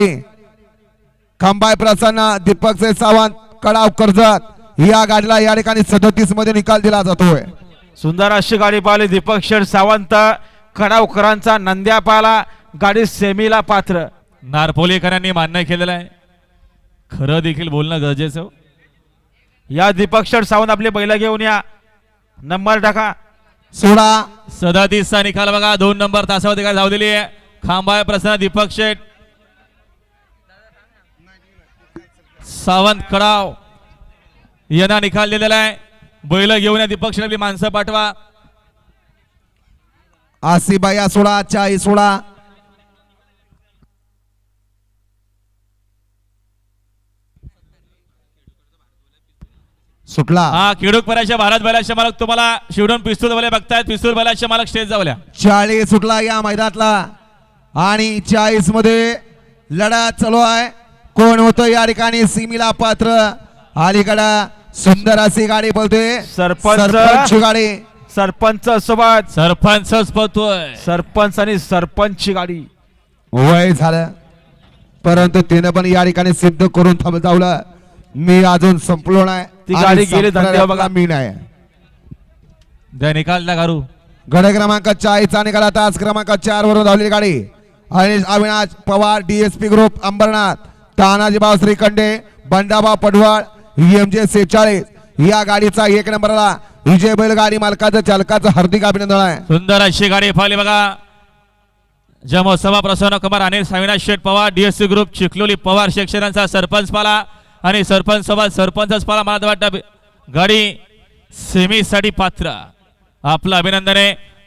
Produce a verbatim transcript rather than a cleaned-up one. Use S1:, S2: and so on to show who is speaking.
S1: खंबाय प्रसन्न दीपक से सावंत कडाव कर्जत या गाडीला या ठिकाणी सदतीस मध्ये निकाल दिला जातोय।
S2: सुंदर अशी गाडी पाहिली दीपक शेठ सावंत कडावकरांचा नंद्या पाला गाडी सेमीला पात्र।
S3: नारपोलीकरांनी मान्य केलेलं आहे, खरं देखील बोलणं गरजेचं।
S2: या दीपक शेठ सावंत आपले बैल घेऊन या, नंबर टाका
S1: सोळा
S3: सदतीसचा निकाल बघा, दोन नंबर तासावरती काय धावलेली आहे। खांबाय प्रसन्न दीपक शेठ सावंत कडाव यांना निकाल दिलेला आहे। बैल घेऊन या दीपक शेठ, आपली माणसं पाठवा।
S1: आसिबाया सोळा चाळीस सोळा सुटला।
S3: हा खेडूक पराच्या भारत बैलाचे मालक तुम्हाला शिवडून पिस्तूल वाले बघतायत, पिस्तूल बैलाचे मालक स्टेज जावल्या।
S1: चाळीस सुटला या मैदानातला आणि चाळीस मध्ये लढा चालू आहे, कोण होतं या ठिकाणी सीमीला पात्र। अलीकडे सुंदर अशी गाडी बोलते
S2: सरपंच
S1: गाडी,
S2: सरपंच सोबत
S3: सरपंचच पळतोय,
S2: सरपंच आणि सरपंचची गाडी।
S1: वय झालं परंतु तिने पण या ठिकाणी सिद्ध करून थांबवलं, मी अजून संपलो नाही,
S2: ती गाडी गेली धंद्यावर बघा।
S1: मी नाही
S3: द्या निकाल द्या घारू।
S1: गड क्रमांक चाळीसचा निकाल, तास क्रमांक चार वरून धावलेली गाडी आणि अविनाश पवार डीएसपी ग्रुप अंबरनाथ, तानाजी बाव श्रीखंडे, बंडाबा पडवळ, एम जे सेहेचाळीस या गाडीचा एक नंबरला विजय बैल गाडी मालकाचं चालकाचं हार्दिक अभिनंदन आहे।
S3: सुंदर अशी गाडी पाहिली बघा, जमोत्सवा प्रसन्न कुमार अनिल अविनाश शेठ पवार डीएससी ग्रुप चिखलोली पवार शिक्षणाचा सरपंच पाला आणि सरपंच सोबत सरपंचच पाला। मला वाटतं गाडी सेमीसाठी पात्र, आपलं अभिनंदन आहे।